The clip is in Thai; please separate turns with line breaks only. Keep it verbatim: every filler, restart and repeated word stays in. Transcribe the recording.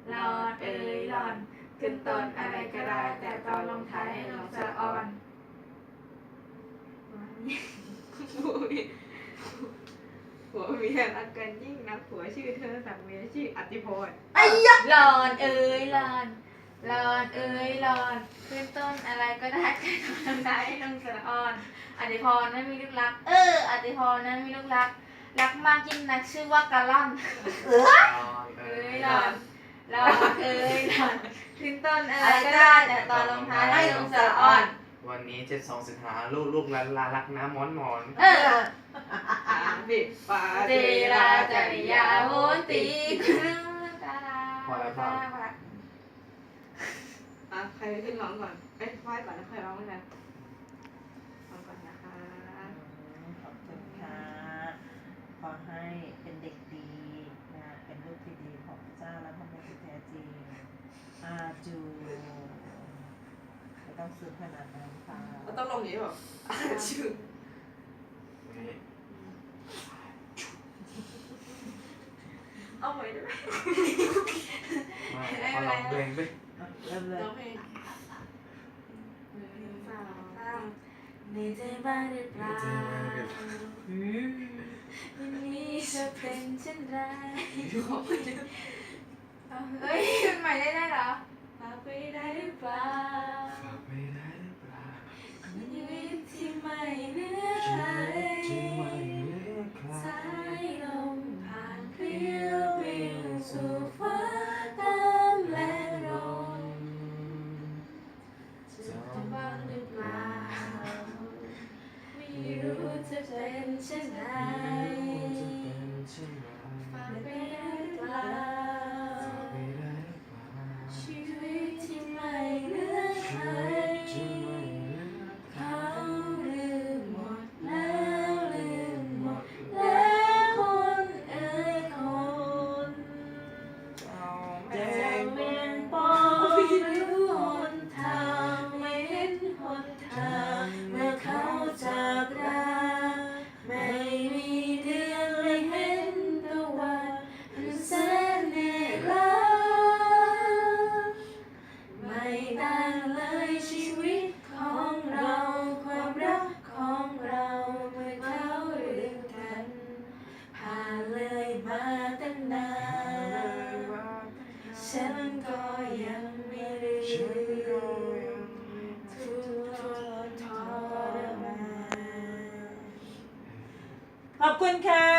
รอนเอ่ยรอนขึ้นต้นอะไรก็ได้แต่ตอนลงท้ายให้ลงสระออนผัวมีผัวเมียรักกันยิ่งนักผัวชื่อเธอสังเวียชื่ออติพรไอ้ยะรอนเอ่ยรอนรอนเอ่ยรอนขึ้นต้นอะไรก็ได้แต่ตอนลงท้ายให้ลงสระออนอติพรนั้นมีลูกรักเอออติพรนั้นมีลูกรักรักมากยิ่งนักชื่อว่ากะล่อนเอ้ยหลอนหลอนเอ้ยหลอนขึ้นต้นอะไรก็ได้แต่ตอนลงท้ายให้ลงสระอ่อน
วันนี้เจ็ดสองสิงหาลูกลูกลาลารักน้ำมอนมอน
เออบิปาเจราจริยาโหติคือตาลาพอแล้วพอแล้วอ่ะใครขึ้นร้องก่อนเอ้ยไหว้ก่อนแล้วใครร้องกันร้องก่อนนะคะ
ขอบคุณค่ะขอให้เป็นเด็กดีนะเป็นลูกที่ดีของพระเจ้าและพระบุตรที่แท้จริงอาจูไม่ต้องซื้อขนาดนั้นค่ะ
เราต้องลงอย่างนี้แบบอาจูเอาไว้ด้วย
มาขอลองเพลงด้วย
เริ่มเลย
ร้องเพลงสาวสามในใจบ้างหรือเปล่าวันนี้จะเป็นเช่นไรขอบคุณเฮ้ยมันใหม่ได้ได้เหรอฝากไปได้หรือเปล่า
ฝากไม่ได้หรือเปล่า
ชีวิตที่ไม่เหลือใครสายลมผ่านเพลียววิวสู่ฟ้าตามแรงลมจะบ้างหรือเปล่าไม่รู้จะเป็นเช่นไรฝากไปได้หรือเปล่าชีวิตที่ไม่เหลือใครเขาลืมหมดแล้วลืมหมดแล้วคนเอ่ยคนจะเวียนปองหรือหนทางไม่เห็นหนทางเมื่อเขาจากราไม่มีเดือนไม่เห็นตะวันอันแสนเหนื่อยล้าไม่ต่างเลยชีวิตของเราความรักของเราเมื่อเขาลืมกันผ่านเลยมาตั้งนานฉันก็ยังไม่ลืมทุกทรทรมาน
ขอบคุณค่ะ